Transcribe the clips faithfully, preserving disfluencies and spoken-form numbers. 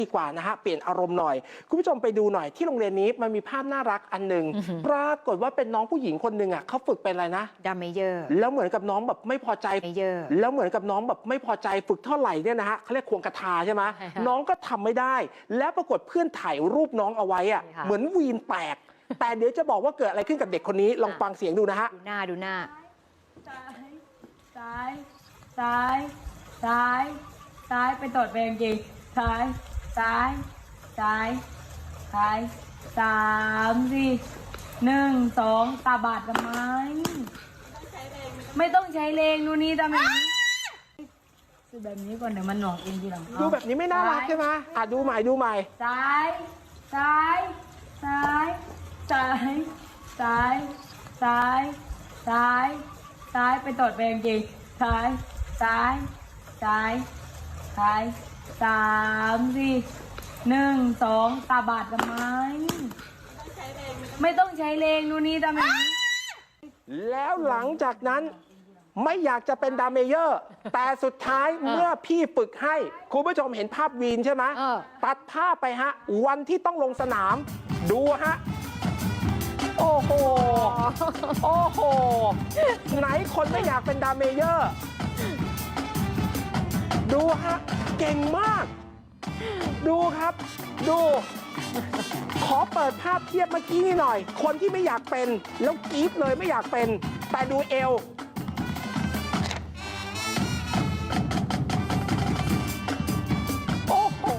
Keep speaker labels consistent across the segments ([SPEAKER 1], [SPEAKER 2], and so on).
[SPEAKER 1] ดีกว่านะฮะเปลี่ยนอารมณ์หน่อยคุณผู้ชมไปดูหน่อยที่โรงเรียนนี้มันมีภาพน่ารักอันหนึ่งปรากฏว่าเป็นน้องผู้หญิงคนหนึ่งอ่ะเขาฝึกเป็นอะไรนะ
[SPEAKER 2] ดัมเมเยอร์
[SPEAKER 1] แล้วเหมือนกับน้องแบบไม่พอใจแล้วเหมือนกับน้องแบบไม่พอใจฝึกเท่าไหร่เนี่ยนะฮะเขาเรียกควงกระทาใช่ไหมน้องก็ทำไม่ได้แล้วปรากฏเพื่อนถ่ายรูปน้องเอาไว้อ่ะเหมือนวีนแตกแต่เดี๋ยวจะบอกว่าเกิดอะไรขึ้นกับเด็กคนนี้ลองฟังเสียงดูนะฮะ
[SPEAKER 2] ดูหน้าดูหน้า
[SPEAKER 3] ซ้ายซ้ายซ้ายซ้ายไปตดไปจริงซ้ายซ้ายซ้ายซ้ายสามสี่หนึ่งสองตาบาดทำไมไม่ต้องใช้แรงดูนี่ทำแบบนี้คือแบบนี้ก่อนเดี๋ยวมันหน่วงเองทีหลัง
[SPEAKER 1] ดูแบบนี้ไม่น่ารักใช่ไหมอ่ะดูใหม่ดูใหม่
[SPEAKER 3] ซ้ายซ้ายซ้ายซ้ายซ้ายซ้ายซ้ายซ้ายไปตดไปจริงซ้ายซ้ายซ้ายซ้ายสามสี่หนึ่งสองตาบาดทำไมไม่ต้องใช้แรงดูนี่ทำแบบนี้
[SPEAKER 1] แล้วหลังจากนั้นไม่อยากจะเป็นดามเมเยอร์แต่สุดท้ายเมื่อพี่ฝึกให้คุณผู้ชมเห็นภาพวีนใช่ไหมตัดภาพไปฮะวันที่ต้องลงสนามดูฮะโอ้โหโอ้โหไหนคนไม่อยากเป็นดามเมเยอร์ดูฮะเก่งมากดูครับดูขอเปิดภาพเทียบเมื่อกี้นี่หน่อยคนที่ไม่อยากเป็นแล้วกรี๊ดเลยไม่อยากเป็นแต่ดูเอวโอ้โห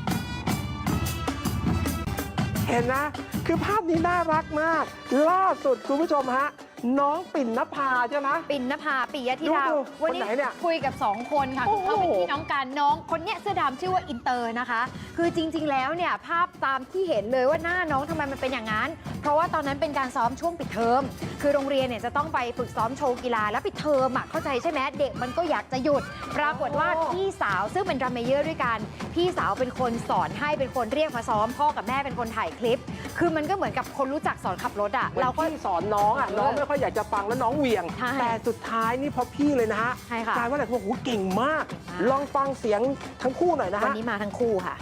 [SPEAKER 1] เห็นนะคือภาพนี้น่ารักมากล่าสุดคุณผู้ชมฮะน้องปิ่นนภาใช่ไหม
[SPEAKER 2] ปิ่นนภาปิยธิดา
[SPEAKER 1] วันนี้
[SPEAKER 2] คุยกับสองคนค่ะคือเขาเป็นพี่น้องกันน้องคนเนี้ยเสื้อดำชื่อว่าอินเตอร์นะคะคือจริงๆแล้วเนี่ยภาพตามที่เห็นเลยว่าหน้าน้องทำไมมันเป็นอย่างนั้นเพราะว่าตอนนั้นเป็นการซ้อมช่วงปิดเทอมคือโรงเรียนเนี่ยจะต้องไปฝึกซ้อมโชว์กีฬาแล้วปิดเทอมอ่ะเข้าใจใช่ไหมเด็กมันก็อยากจะหยุดปรากฏว่าพี่สาวซึ่งเป็นดรัมเมเยอร์ด้วยกันพี่สาวเป็นคนสอนให้เป็นคนเรียกมาซ้อมพ่อกับแม่เป็นคนถ่ายคลิปคือมันก็เหมือนกับคนรู้จักสอนขับรถอ่ะเราก็
[SPEAKER 1] สอนน้องอ่ะน้องไม่ค่อยอยากจะฟังแล้วน้องเหวี่ยงแต่สุดท้ายนี่พอพี่เลยนะฮะกลายว่าอะไรโอ้โหเก่งมากลองฟังเสียงทั้งคู่หน่อยนะฮะ
[SPEAKER 2] วันนี้มาทั้งคู่ค่ะ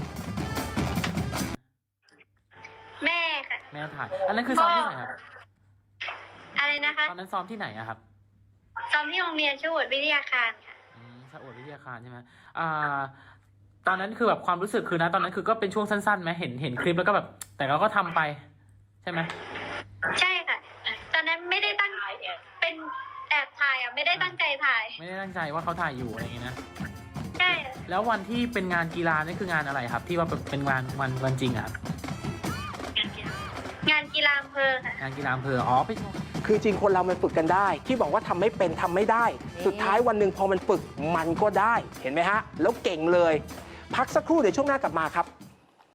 [SPEAKER 4] แม่ค่ะ
[SPEAKER 5] แม่ถ่ายอันนั้นคือซ้อมที่ไหนครับ
[SPEAKER 4] อะไรนะคะ
[SPEAKER 5] ตอนนั้นซ้อมที่ไหนอะครับ
[SPEAKER 4] ซ้อมที่โรงเรียนชวดวิทยาคารค่ะ
[SPEAKER 5] อืมชวดวิทยาคารใช่ไหมอ่าตอนนั้นคือแบบความรู้สึกคือนะตอนนั้นคือก็เป็นช่วงสั้นๆไหมเห็นเห็นคลิปแล้วก็แบบแต่เราก็ทำไปใช่ไหม
[SPEAKER 4] ใช่ค่ะตอนนั้นไม่ได้ตั้งเป็นแอบถ่ายอ่ะไม่ได้ตั้งใจถ่าย
[SPEAKER 5] ไม่ได้ตั้งใจว่าเขาถ่ายอยู่อะไรอย่างงี้นะ
[SPEAKER 4] ใช่
[SPEAKER 5] แล้ววันที่เป็นงานกีฬานี่คืองานอะไรครับที่ว่าเป็นงานวันวันจริงอะ
[SPEAKER 4] งานกีฬาอำเภอค่ะ
[SPEAKER 5] งานกีฬาอำเภออ๋อไป
[SPEAKER 1] คือจริงคนเรามันฝึกกันได้ที่บอกว่าทำไม่เป็นทำไม่ได้สุดท้ายวันหนึ่งพอมันฝึกมันก็ได้เห็นไหมฮะแล้วเก่งเลยพักสักครู่เดี๋ยวช่วงหน้ากลับมาครับ